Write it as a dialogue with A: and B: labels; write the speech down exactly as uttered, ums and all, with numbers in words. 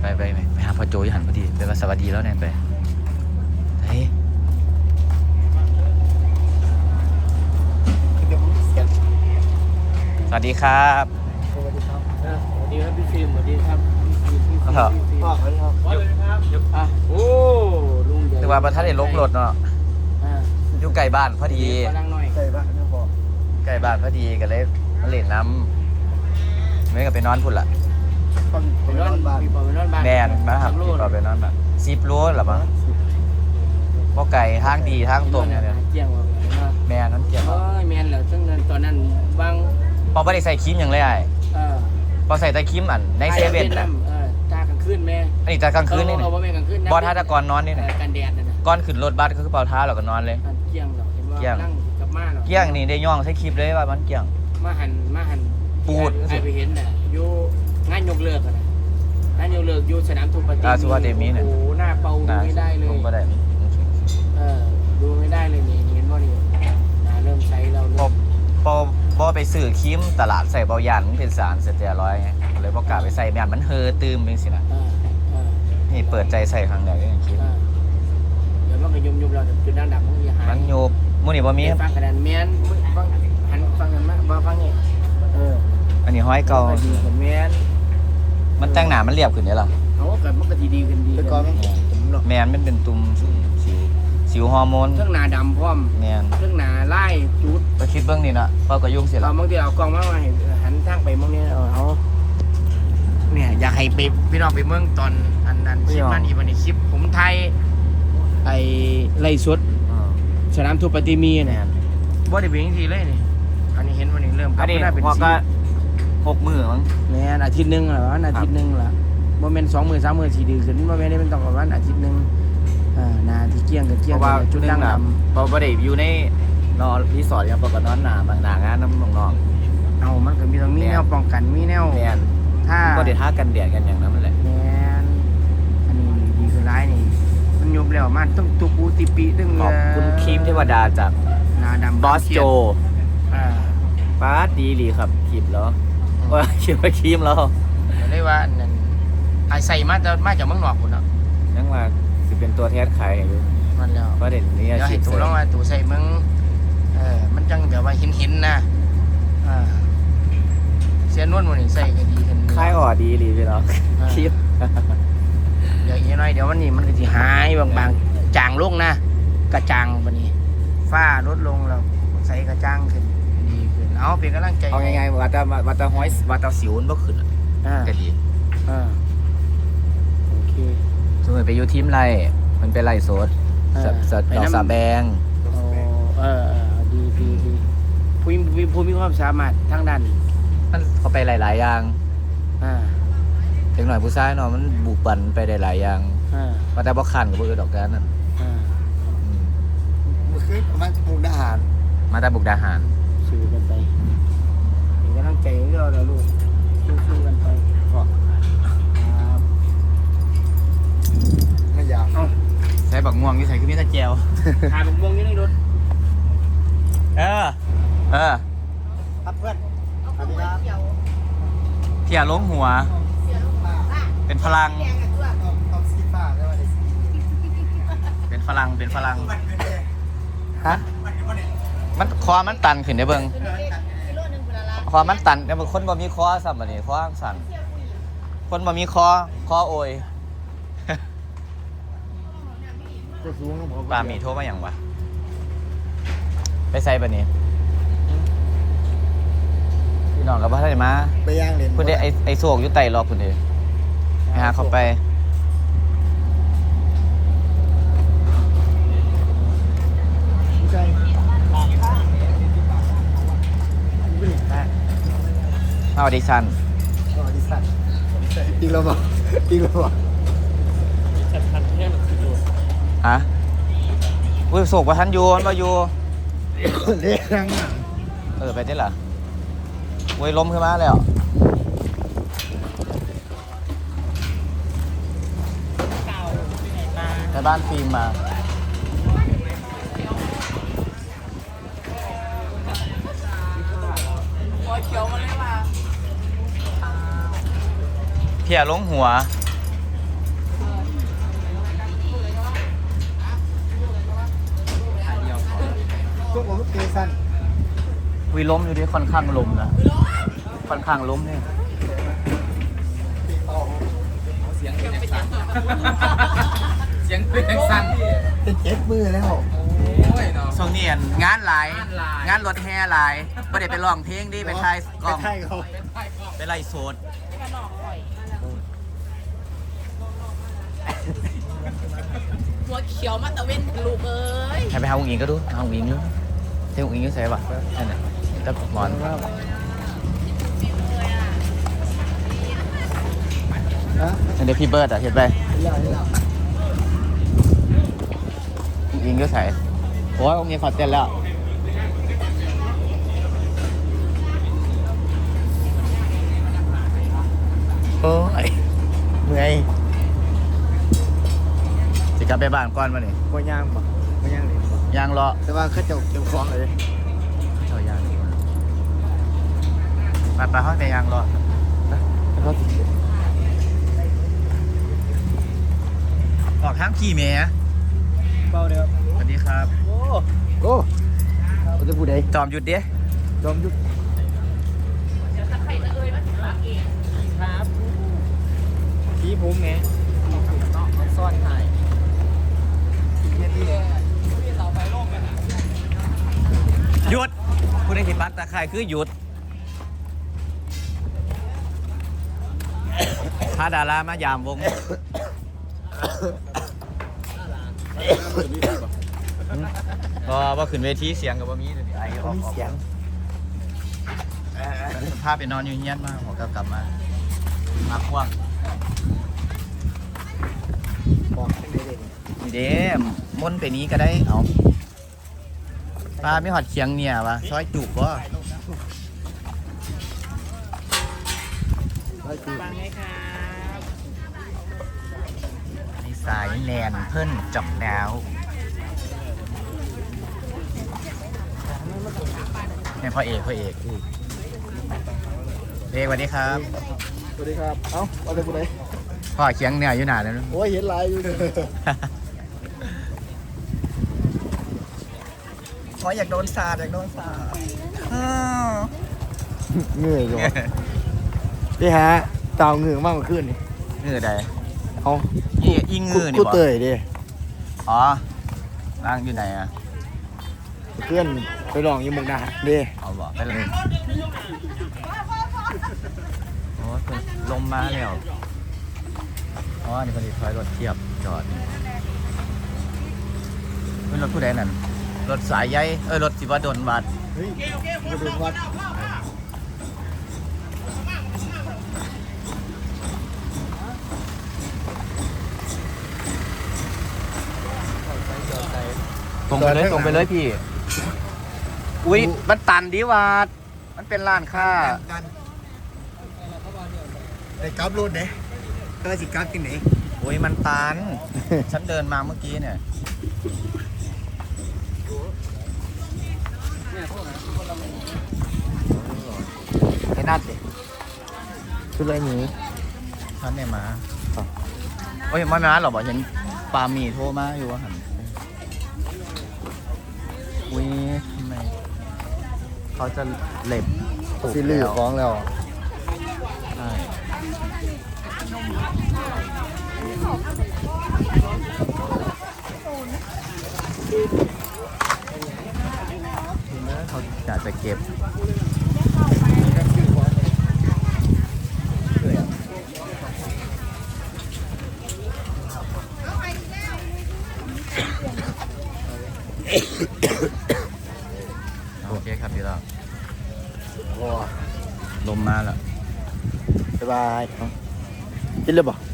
A: ไปไปไปไปหาพ่อโจยหันพอดีไปว่าสวัสดีแล้วเนี่ยไปเฮ้ยสวัสดีครับ
B: สวัสดีครับสวัสดีครับพี่ฟิล์มสวัสดีครับพี่ฟิล์มพี่ฟิล์มพ่อสวัสดีครับสวัสดีครับอ่ะโอ้ลุงใหญ่
A: ถือว่าประทัดเห็นลบรถเนาะอยู่ใกล้บ้านพอดี
B: ใกล้บ้านนะพ่อ
A: ใกล้บ้านพอดีก็เลยมาเล่นน้ำไม่ก็ไปนอนพุ่นละ
B: ไปนอนบ้านไปนอนบ้าน
A: แม่นมาครับพี่ปอไปนอนบ้านสิบโลหรอมั้งพวกไก่ทางดีทางตรงเนี่ย
B: เกี่ยงว่า
A: แม่นั่นเกี่ยง
B: เอ้ยแม่นแล้วตั้งแต่ตอนนั้นบาง
A: พอไม่ได้ใส่ครีมอย่างเลยไอ้พอใส่แต่ครีมอันในเซเว่นนะ
B: เออตากลางคืนแม่
A: อันนี้ตากลางคืนนี่
B: เอาว่าแม่กลางคืน
A: บอท่าตะกอนนอนนี่นะ
B: กันแดดนะ
A: ก้อนขึ้นรถบัสก็คือเป่าเท้าเราก็นอนเลย
B: เกี่ยงหรอเห็นว่านั่งกับม่าหรอ
A: เกี่ยงนี่ได้ย่องใช้คลิปเลยว่ามันเกี่ยง
B: มาหันมาหัน
A: ปูด
B: ไอไปเห็นน่ะอยู่งานยกเลิกอะนะงานยกเลิกอยู่สนามทูปฏิ
A: อาสุวรรณเดมีเนี่ย
B: โอ้หน้าเป่าดูไม่ได้เลย
A: ผมก็ได้
B: เออดูไม่ได้เลยนี่เห็นว่านี่นาเริ่มใช้เรา
A: พอพอพอไปซื้อครีมตลาดใส่เบาหยานมันเป็นสารเสเตียรอยด์ไงเลยบอกกล้าไปใส่แม่นมันเฮอตื่มเป็นสินะนี่เปิดใจใส่ครั้งแรกเลยครีม
B: เดี๋ยวมันก็ยุ่มยุ่มเราจุดด่างดำมันจะหาย
A: มันโยบมื้อนี้บ่มี
B: ฟังกระดานแมนฟังหันฟังกันมาบ่ฟังนี่เออ
A: อันนี้ห้อยเก่า
B: ดีกว่าแมน
A: มันแต่งหน้ามันเรียบขึ้นได้หรอ
B: เขาก็มันก็ดีดีขึ้นดี
A: แมนมันเป็นตุ่มสิวสิวฮอร์โมน
B: เครื่องหน้าดำพร้อม
A: แมน
B: เครื่องหน้าไล่จุด
A: ก็คิดเบื้องนี้นะพอก็ยุ่งเสียแล้ว
B: บางทีเอากล้องมาเห็นหันทางไปมองนี้เอาเนี่ยอยากให้ไปพี่น้องไปเมืองตอนอันนั้นคลิปนั้นอีวันนี้คลิปผมไทยไอ้ไล่สดสนามทูปฏิมีเนี่ยบ่ได้เป็นทีเลยนี่อันนี้เห็นวันนี้เริ่ม
A: อันนี้พอก็หกมือมั้ง
B: เนี่ยอาทิตย์หนึ่งเหรออาทิตย์หนึ่งละโมเมนต์สองมือสามมือสี่ดีขึ้นโมเมนต์นี้มันต้องประมาณอาทิตย์หนึ่งอ่านาที่เกี่ยงกับเกี่ยงกับจุดดังด
A: ำพอบ่ได้อยู่ในนอนรีสอร์ทยังปกตินอนหนาบางหนางานน้ำน้อง
B: ๆเอามันก็มีตรงมีแนวป้องกันมีแนว
A: ถ้าก็ได้ท่ากันแดดกันอย่างนั้นแหละ
B: แมนอันนี้ดีคือร้ายนี่มันยุบแล้วมันต้องตุปูติปีตึ้ง
A: ขอบคุณครีมเทวดาจาก
B: นาดำ
A: บอสโจป้าดีหลีครับครีมแล้วว่าครีมว่าครีมแล้ว
B: เรียกว่าไอใส่มาจะมาจากเมืองนอกคุณเนาะ
A: ยังว่าสิเป็นตัวแทนขายอยู่
B: มันแล้ว
A: ประเด็นนี้
B: อาชีพตัวลองมาตัวใส่เมืองเออมันจังแบบว่าหินหินนะอ่าเสียนวลมันนี่ใส่ก็ดีขึ้น
A: คล้ายอ่อดีหลีพี่น้องคลิป
B: เดี๋ยวอีกหน่อยเดี๋ยววันนี้มันก็จะหายบางๆจางลงนะกระจางวันนี้ฝ้าลดลงแล้วใส่กระจางขึ้นดีขึ้นเอาเป็นกำลังใจ
A: เอาไงๆว่าแต่ว่าแต่ห้อยว่าแต่สิวมันบ่ขึ้นก็ดี
B: อ่าโอเค
A: สมมติไปอยู่ทีมไรมันเป็นไรโซดสดดอกสาแบง
B: เออดีดีดีผู้มีผู้มีความสามารถทางด้าน
A: มันเขาไปหลายๆอย่าง
B: อ่า
A: ถึงหน่อยผู้ชายเนาะมันบุกบันไปได้หลายอย่าง
B: อ่า
A: มาแต่บ่คันกับบ่อื่นดอกแกนั่น
B: อ่า
C: มันคือมาจากบุกดาหาร
A: มาแต่บุกดาหาร
B: สู้กันไปเป็นกำลังใจให้เราแล้วลูกสู้ๆกันไป
C: ไม่อยาก
A: ใส่บักม่วงอยู่ใส่คือมีตะแจว
B: หาบักม่วงอยู่ในรถ
A: เออเออ
C: ครับเพื่อนสวัสดีครับ
A: เที่ยล้มหัวเป็นพลังเป็นพลังเป็นพลังฮะมันคอมันตันขึ้นได้เบิ่งคอมันตันแต่บางคนบ่มีคอซ้ำบัดนี้คอสั่นคนบ่มีคอคอโอยปลาหมีโทรมาอย่างวะไปใส่ปะนี่พี่น้องกับพ่อท่านมา
C: ไปย่างเลน
A: คุณเดไอไอโศกอยู่ไต่รอคุณเดไปหาเขาไปเอาดิซัน
C: เอาดิซันอีกแล้วบอกอีกแล้วบอก
A: ฮะอุ้ยโศกว่าท่านยูนว่ายู
C: เลี้ยง
A: เออไปได้เหรออุ้ยล้มขึ้นมาแล้วในบ้านฟิล์มมาเพียล้มหัว
C: พวกผมเกสั้น
A: วีล้มอยู่ดิค่อนข้างล้มนะค่อนข้างล้มเนี่ย
B: เสียงเป็นสั่นเสียงเป็นสั่น
C: เป็นเจ็ดมือแล้ว
B: โอ้ยเนาะ
A: ช่วงนี้งานหลาย
B: งานหลาย
A: งานรถแห่หลายไม่ได้ไปร้องเพลงดิไปถ่ายกล้อง
C: ใช่เขา
A: ไปไล่โสด
D: หัวเขียวมาตะเวนลูกเอ้ย
A: ให้ไปหาอุ้งอิงก็ดูหาอุ้งอิงดูเที่ยวอุ้งอิงก็ใส่ปะนั่นน่ะตะหมอน
C: ฮะ
A: อันเดี๋ยวพี่เบิร์ดอ่ะเห็นไป
C: เล่าเล่า
A: อุ้งอิงก็ใส่โอ้ยอุ้งอิงขอเต้นแล้วโอ้ยเมื่อยจะกลับไปบ้านก่อนมาเนี่ย
C: บ่ย่างบ่บ่ย่างเลย
A: ยางรอ
C: แต่ว่าเขาจะเก็บของเลย
A: เจ้ายางดีกว่าไปไปห้องในยางรอ
C: แล้วก็ติด
A: ออกทางขี่เมีย
C: เบาเดียว
A: สวัสดีครับ
C: โอ้โอ้เขาจะพูดได
A: จอมหยุดดิ
C: ยอมหยุด
B: ครับพี่ผมไงซ่อนถ่าย
A: หยุดผู้ใดที่ปักตะไคร่คือหยุดพาดารามายามวงก็ว่าขึ้นเวทีเสียงกับว่ามีเดี๋ยวนี้ไอ้ออก
C: มีเสียง
A: ภาพไปนอนอยู่เงี้ยนมากผมก็กลับมามาควง
C: บอกเป็นเด็ก
A: นี่เด้มนต์ไปนี้ก็ได้เอาปลาไม่หอดเคียงเนี่ยวะซอยจุกวะ
C: ร้อยปี
B: ฟังไหมครับ
A: นี่สายแนนเพิ่นจับดาวเนี่ยพ่อเอกพ่อเอกเอกสวัสดีครับ
C: สวัสดีครับเอ้าเอาจะพูดได
A: พ่อเคียงเนี่ยอยู่หนาแล้วนะ
C: โอ้ยเห็นลายอยู่เลย
A: ขออยากโดนสาดอยากโดนสาด
C: เหนื่อยอยู่พี่ฮะเต่าเหงื่อมากกว่าขึ้นนี่
A: เงือใด
C: เอา
A: อีอีเงือนี่
C: กู
A: บ่
C: เตยดิ
A: อ๋อร่างอยู่ไหนอ่ะ
C: เพื่อนไปลองอยี่มุกดาหารดิ
A: เอาบอกไปเลยโอ้ยเพิ่นลมมาแล้วอ๋อนี่ผลิตถอยรถเทียบจอดเป็นรถผู้ใดนั่นรถสายใยเอ้ยรถสิว่าโดนบาด
C: เฮ้ยมาดูวัด
A: ตรงไปเลยตรงไปเลยพี่ อุ้ยมันตันดีวาดมันเป็นร้านค้า
C: กันไอ้กราฟรถเด้ก็สิกราฟที่ไหน
A: อุ้ยมันตัน ฉันเดินมาเมื่อกี้เนี่ย
C: ไอ้นัดดิคืออะไรหนี
A: ท่านได้มาโอ้ยมามาหรอบอกเห็นปามีโทรมาอยู่ว่าหันอุ้ยทำไมเขาจะเหล็บปลูก
C: ซีรีส์
A: แล้ว
C: ฟ้องแล้ว
A: ใช่เขาอยากจะเก็บโอเคครับพี่เรา
C: ว้า
A: ลมมาแล้ว
C: บ๊ายบายกินเลยบ่